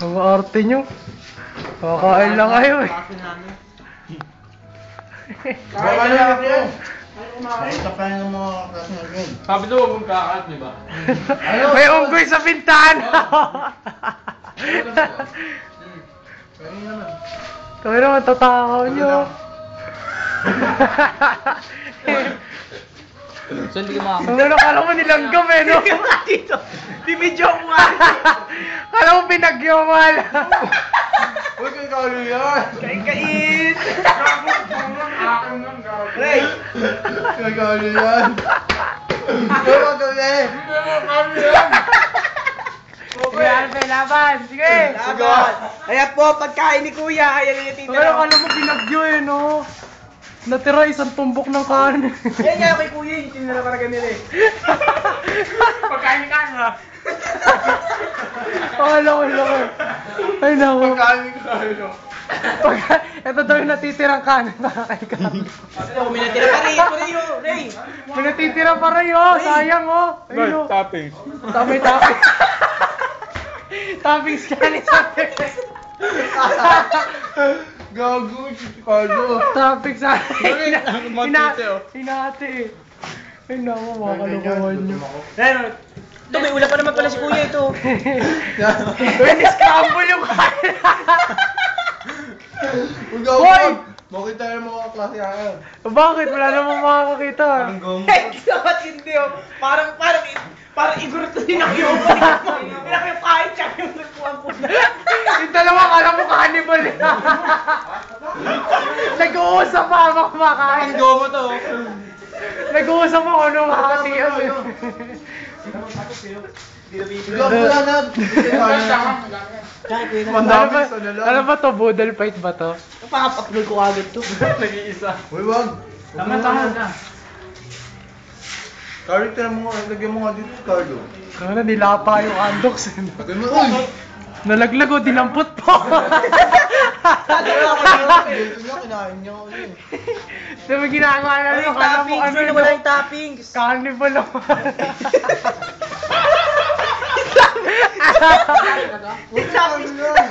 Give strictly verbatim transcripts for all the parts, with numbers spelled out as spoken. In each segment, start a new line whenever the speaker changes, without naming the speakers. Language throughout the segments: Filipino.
Ang arte nyo. Kakain lang kayo eh.
Baka na ako. Nakita pa yung mga klase ng game.
Sabi daw huwag mong kakaat, di ba?
May unggoy sa bintana.
Kaya naman.
Kami naman tatakaw nyo.
So hindi ka makakain.
Ang ano, kala mo nilanggam eh, no?
Dito. Bibidyo ko nga.
Kala mo pinagyamal.
Uy, kay Kalo yan!
Kain-kain.
Akin lang, gawin.
Ray.
Kay Kalo yan! Uy, wag kami!
Sige, Alpe, laban. Sige.
Laban. Ayan po, pagkain ni Kuya. Ayan yung tita.
Pero kala mo pinagyo eh, no? Natira isang tumbok ng kanin.
Ayan nga kay Kuya, yung tinala para ganila eh.
Pagkain ni Kana.
Akala ko lang. Ay, naku.
Pagkain ko Kalo.
Pag, ito daw yung natitirang kanin para kay Carlo.
Ako, may natira pa rin. Ito rin yun, Ray.
May natitira pa rin, oh. Sayang, oh. Ayun, oh.
Toppings.
Tamay toppings. Toppings ka ni Sabi.
Gago si Kalo.
Toppings sa
Bakit? Matute, oh.
Hinati eh. Ay, naku, mga kalokohan nyo.
Ayan, ito, may ulam pa naman pala si Kuya ito.
Uy, ni-scramble yung kanin.
Uy, gago!
Hoy!
Makita yung mga klase ayan.
Bakit? Wala namang makakakita.
Eh, dapat hindi oh. Parang, parang, parang igurot na din ako yung pinaka yung kain tsaka yung nagpuan po na.
Yung dalawa, kala mo cannibal. Nag-uusap pa habang kumakain.
Gomo to.
Nag-uusap ako nung makakatiyan.
Gago na na!
Kaya Kuya na.
Ano
Mandami
ba,
sa nalang.
ano ba to? Boodle fight ba to?
Napaka-upload ko agad to.
Nag-iisa.
Uy, wag!
Tama, tama na.
Carlo, tira mo nga. Lagyan mo nga dito si Carlo.
Kaya na, nilapa yung andox.
Lagyan mo, uy!
Nalaglag o, dinampot po.
Dito niya, kinain niya ako yun.
Diba ginagawa na
Ay,
rin? Kala mo
toppings.
ano
Wala wala yung toppings.
Carnival ako.
Uy, Carlo yan!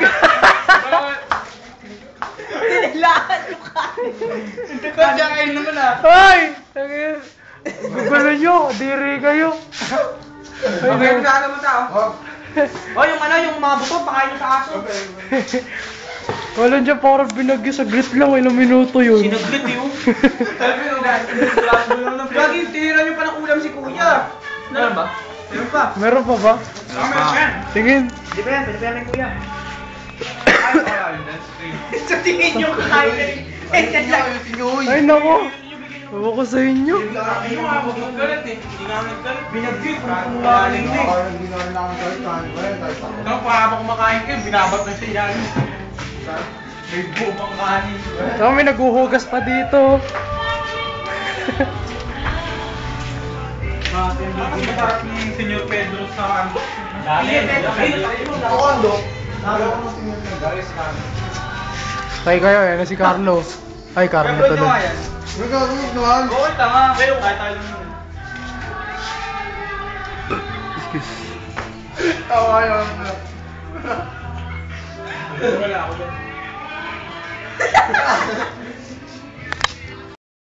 Tinilaan yung kain.
Pagkain naman ah.
Hoy! Gugulo nyo, diri kayo.
Okay, magkakala mo tao.
Oh,
Oh, yung ano, yung mga buto, pakain sa aso.
Wala dyan parang binagyo sa grit lang, ilang minuto yun.
Sinaglit yun.
Sabi nung
Lagi, tinira niyo pa ng ulam si Kuya.
Meron ba?
Meron pa.
Meron pa ba?
Meron yan.
Tingin.
Di ba yan? Pwede pa yan ng Kuya.
Ay, wala yun. That's great.
Sa tingin niyo kakain na rin. Eh, yan lang.
ayusin niyo, uy!
Ay nako. Ewan ko sa inyo.
Ay, mo nga, huwag mong galit eh. Hindi nga naggalit.
Binagyo,
Parang
kung
galing
kumain
eh.
Parang hindi namin nakakalit, kain pa yan, kahit ako.
Ano pa habang kumakain kayo, binabat na siya yan. May buo pang kanin.
So, may naguhugas pa dito.
Mas masarap ni Senyor Pedro sa ano.
Dali, dali.
Ako, Ando. Nagawa ko ng tingin na guys.
Tay kayo, yan na si Carlo. Ay, Carlo
Upload nyo
tuloy.
nga yan.
Uy, gago, naman!
Oo, tama. Pero kahit tayo lang yun.
Excuse.
Tawa yun.
Wala ako dyan.